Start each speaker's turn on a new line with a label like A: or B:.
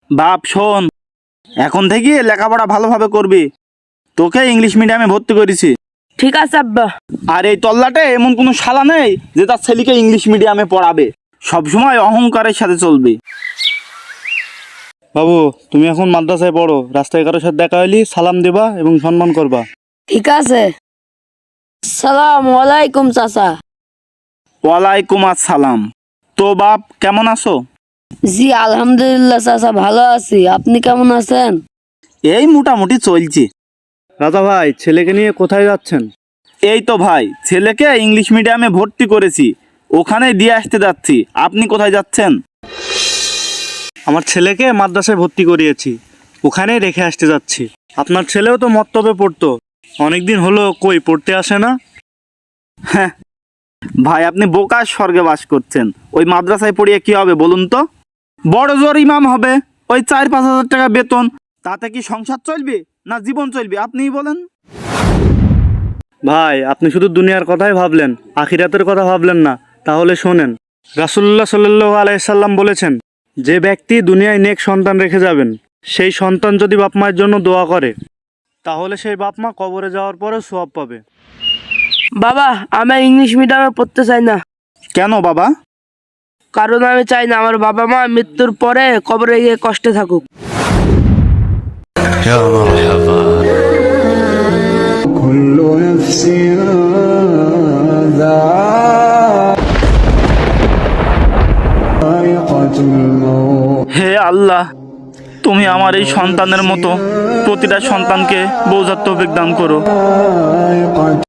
A: বাপ শোন, এখন থেকে লেখাপড়া ভালোভাবে করবি। তোকে ইংলিশ মিডিয়ামে ভর্তি করেছি।
B: ঠিক আছে আব্বা।
A: আর এই তল্লাটে এমন কোনো শালা নেই যে তার ছেলেকে ইংলিশ মিডিয়ামে পড়াবে। সবসময় অহংকারের সাথে চলবি। বাবু, তুমি এখন মাদ্রাসায় পড়ো। রাস্তায় কারোর সাথে দেখা হইলি সালাম দেবা এবং সম্মান করবা।
B: ঠিক আছে। সালাম আলাইকুম চাচা।
A: ওয়ালাইকুম আসসালাম। তো বাপ, কেমন আছো?
B: জি আলহামদুলিল্লাহ চাচা, ভালো আছি। আপনি কেমন আছেন?
A: এই মোটামুটি চলছে। রাজা ভাই, ছেলেকে নিয়ে কোথায় যাচ্ছেন? এই তো ভাই, ছেলেকে ইংলিশ মিডিয়ামে ভর্তি করেছি, ওখানে দিয়ে আসতে যাচ্ছি। আপনি কোথায় যাচ্ছেন? আমার ছেলেকে মাদ্রাসায় ভর্তি করিয়েছি, ওখানেই রেখে আসতে যাচ্ছি। আপনার ছেলেও তো মত্তবে পড়তো, অনেকদিন হলো কই পড়তে আসে না। হ্যাঁ ভাই, আপনি বোকার স্বর্গে বাস করছেন। ওই মাদ্রাসায় পড়িয়ে কি হবে বলুন তো? বড় জোর ইমাম হবে, ওই 4-5 হাজার টাকা বেতন। তাতে কি সংসার চলবে না জীবন চলবে আপনিই বলেন। ভাই, আপনি শুধু দুনিয়ার কথাই ভাবলেন, আখিরাতের কথা ভাবলেন না। তাহলে শোনেন, রাসূলুল্লাহ সাল্লাল্লাহু আলাইহি সাল্লাম বলেছেন, যে ব্যক্তি দুনিয়ায় নেক সন্তান রেখে যাবেন, সেই সন্তান যদি বাপ মায়ের জন্য দোয়া করে, তাহলে সেই বাপ মা কবরে যাওয়ার পরেও সওয়াব পাবে।
B: বাবা, আমি ইংলিশ মিডিয়ামে পড়তে চাই না।
A: কেন বাবা?
B: কারণ আমি চাই না আমার বাবা মা মৃত্যুর পরে কবরে গিয়ে কষ্টে থাকুক।
C: يا مرحبا. كل نفس ذائقة الموت.
A: হে আল্লাহ, তুমি আমার এই সন্তানের মতো প্রতিটা সন্তানকে বোঝার তৌফিক দান করো।